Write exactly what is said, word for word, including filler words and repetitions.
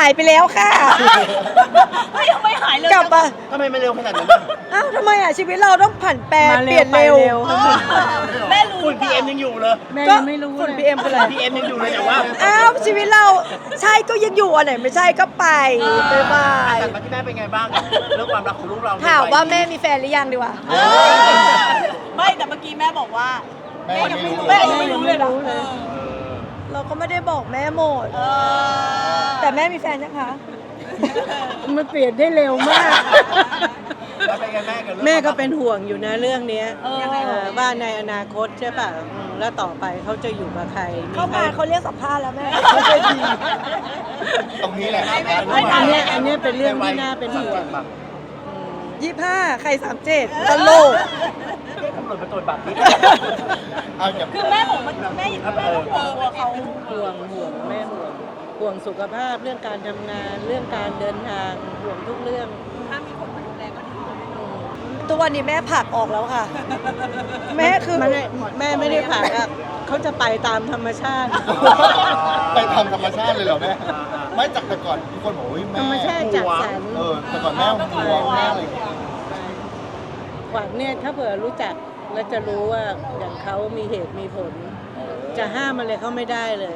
ายไปแล้วค่ะเฮ้ยยังไม่หายเลยกลับมาทำไมไม่เร็วขนาดนั้นอ่ะอ้าวทำไมอ่ะชีวิตเราต้องผันแปรมาเปเร็ลี่วยนไปเร็วเร็วครับแม่รู้ฝุ่น พี เอ็ม ยังอยู่เลยแม่ก็ยังไม่รู้ฝุ่นเลยพี เอ็ม คืออะไรพี เอ็ม ยังอยู่เลยแต่ว่าอ้าวชีวิตเราใช่ก็ยังอยู่อันไหนไม่ใช่ก็ไปบ๊ายบายแต่มาที่แม่เป็นไงบ้างกับเรื่องความรักของลูกเราถามว่าแม่มีแฟนหรือยังดีกว่าเออไม่แต่เมื่อกี้แม่บอกว่าแม่ยังไม่รู้แม่แม่ยัยัง งไม่ไม่รู้รู้เลเลย ยนะนะเราก็ไม่ได้บอกแม่หมดเออแต่แม่มีแฟนนะคะมันเปลี่ยนได้เร็วมากแล้วเป็นไงแม่กับเรื่องแม่ก็เป็นห่วงอยู่นะเรื่องเนี้ยเออเออว่าในอนาคตใช่ป่ะอืมแล้วต่อไปเขาจะอยู่กับใครเข้าใครมาเขาเรียกสัมภาษณ์แล้วแม่ไม่เคยดีตรงนี้แหละอันเนี้ยอันเนี้ยเป็นเรื่องที่น่าเป็นห่วงยี่ห้าใครสามเจ็ดตลกตำรวจมาตรวจบัตรนี่เอาอย่าคือแม่บอกว่าแม่แม่ต้องห่วงตัวเขาห่วงห่วงแม่ห่วงห่วงสุขภาพเรื่องการทำงาน เรื่องการเดินทางห่วงทุกเรื่องถ้ามีคนมาดูแลก็ดีอืมทุกวันนี้แม่ผลักออกแล้วค่ะ แม่คือมันไม่แม่ไม่ได้ผ่าอะเขาจะไปตามธรรมชาติไปทำธรรมชาติเลยเหรอแม่ ไม่จากแต่ก่อนทุกคนบอกว่าแม่ธรรมชาติจัดสรรเออแต่ก่อนแม่ห่วงแม่อะไรอย่างเงี้ยขวัญเนี่ยถ้าเผื่อรู้จักแล้วจะรู้ว่าอย่างเขามีเหตุมีผล จะห้ามอะไรเขาไม่ได้เลย